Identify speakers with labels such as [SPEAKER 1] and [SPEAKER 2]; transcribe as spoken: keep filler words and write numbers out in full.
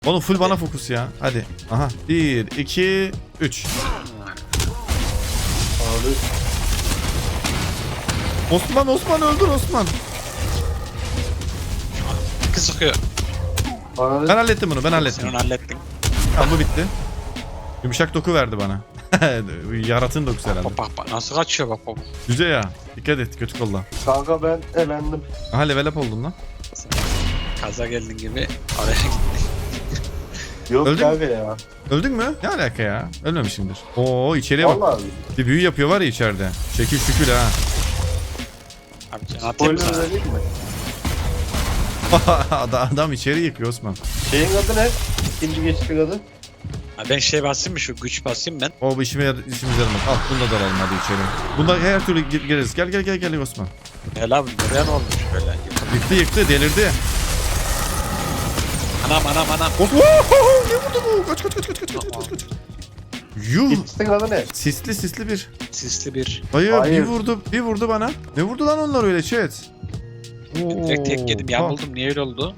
[SPEAKER 1] Oğlum full bana fokus ya. Hadi. Aha. bir, iki, üç.
[SPEAKER 2] Abi.
[SPEAKER 1] Osman Osman öldür Osman.
[SPEAKER 3] Kız sıkıyor.
[SPEAKER 2] Abi.
[SPEAKER 1] Ben hallettim bunu ben
[SPEAKER 3] Sen
[SPEAKER 1] hallettim.
[SPEAKER 3] onu hallettin.
[SPEAKER 1] Tamam bu bitti. Yumuşak doku verdi bana. Yaratın dokusu herhalde.
[SPEAKER 3] Bak bak bak nasıl kaçıyor bak bak.
[SPEAKER 1] Güzel ya. Dikkat et kötü kolla.
[SPEAKER 2] Kanka ben elendim.
[SPEAKER 1] Aha level up oldum lan.
[SPEAKER 3] Kaza geldin gibi araya gittin.
[SPEAKER 2] Yok
[SPEAKER 1] Öldün
[SPEAKER 2] kanka ya.
[SPEAKER 1] Öldün mü? Ne alaka ya? Ölmemişimdir. Oo içeriye bak.
[SPEAKER 2] Vallahi.
[SPEAKER 1] Bir büyü yapıyor var ya içeride. Şekil şükür ha.
[SPEAKER 3] Abi can atayım mı
[SPEAKER 2] Spoiler
[SPEAKER 3] sana?
[SPEAKER 2] vereyim mi?
[SPEAKER 1] adam, adam içeri yıkıyor Osman.
[SPEAKER 2] Şeyin adı ne? İkinci geçtik adı.
[SPEAKER 3] Ha, ben şey basayım mı şu güç basayım ben.
[SPEAKER 1] O bu işime yar işimize yaramaz. Al bunu da dalalım hadi içeri. Bunda her türlü gir- gireriz. Gel gel gel gel Osman.
[SPEAKER 3] Helal abi buraya ne olmuş böyle?
[SPEAKER 1] Yıktı yıktı delirdi.
[SPEAKER 3] Anam anam anam.
[SPEAKER 1] Osman Ohoho! Ne vurdu bu? Kaç kaç kaç kaç kaç kaç kaç kaç. Yuh.
[SPEAKER 2] Geçtin adı ne?
[SPEAKER 1] Sisli sisli bir.
[SPEAKER 3] Sisli bir.
[SPEAKER 1] Hayır,
[SPEAKER 2] Hayır.
[SPEAKER 1] bir vurdu bir vurdu bana. Ne vurdu lan onlar öyle chat?
[SPEAKER 3] Direkt tek yedim
[SPEAKER 1] Oo,
[SPEAKER 3] yamuldum niye öyle oldu?